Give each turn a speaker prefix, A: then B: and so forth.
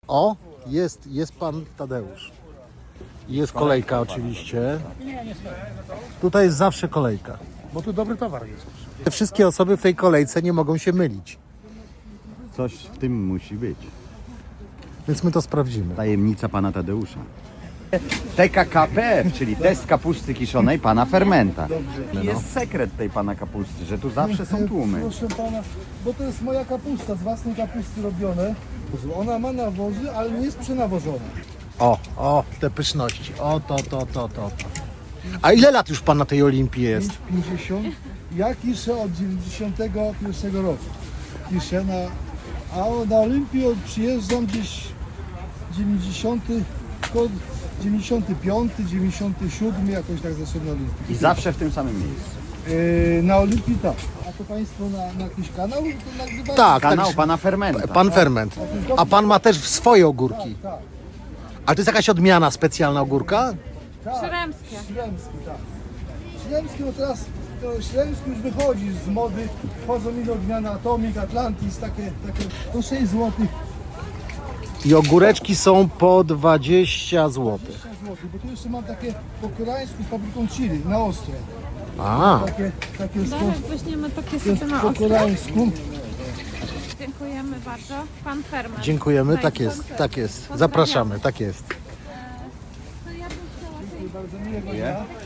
A: O, jest pan Tadeusz. Jest kolejka oczywiście. Tutaj jest zawsze kolejka.
B: Bo tu dobry towar jest.
A: Te wszystkie osoby w tej kolejce nie mogą się mylić.
C: Coś w tym musi być.
A: Więc my to sprawdzimy.
C: Tajemnica pana Tadeusza. TKKP, czyli test kapusty kiszonej pana Fermenta. Jest sekret tej pana kapusty, że tu zawsze są tłumy.
B: Proszę pana, bo to jest moja kapusta, z własnej kapusty robione. Ona ma nawozy, ale nie jest przenawożona.
A: O, te pyszności. O, to. A ile lat już pan na tej Olimpii jest?
B: 5,50. Ja kiszę od 91 roku. Kiszę na Olimpię przyjeżdżam gdzieś 95, 97, jakoś tak zeszedłem na Olimpii.
C: I zawsze w tym samym miejscu.
B: Na Olimpii tak. A to państwo na jakiś kanał to nagrywają?
A: Tak,
C: Kanał
A: tak.
C: pana Fermenta.
A: Pan Ferment. A pan ma też swoje ogórki.
B: Tak.
A: Ale to jest jakaś odmiana specjalna ogórka?
D: Śremskie.
B: Śremski, tak. Śremski, no teraz to Śremski już wychodzi z mody. Wchodzą inne odmiany Atomic, Atlantis, takie to 6 zł.
A: I ogóreczki są po 20 zł.
B: 6 zł, bo tu jeszcze mam takie po koreańsku z papryką chili, na ostre.
A: A,
B: Takie
D: Dalej weźmiemy takie
B: to jest
D: sobie na
B: po
D: ostro.
B: koreańsku.
D: Dziękujemy bardzo. Pan Ferment.
A: dziękujemy, tak
D: Państwo.
A: jest, tak jest.
D: Pozdrawiamy.
A: Zapraszamy, tak jest.
D: To ja bym chciała tej
B: Bardzo miłego dnia.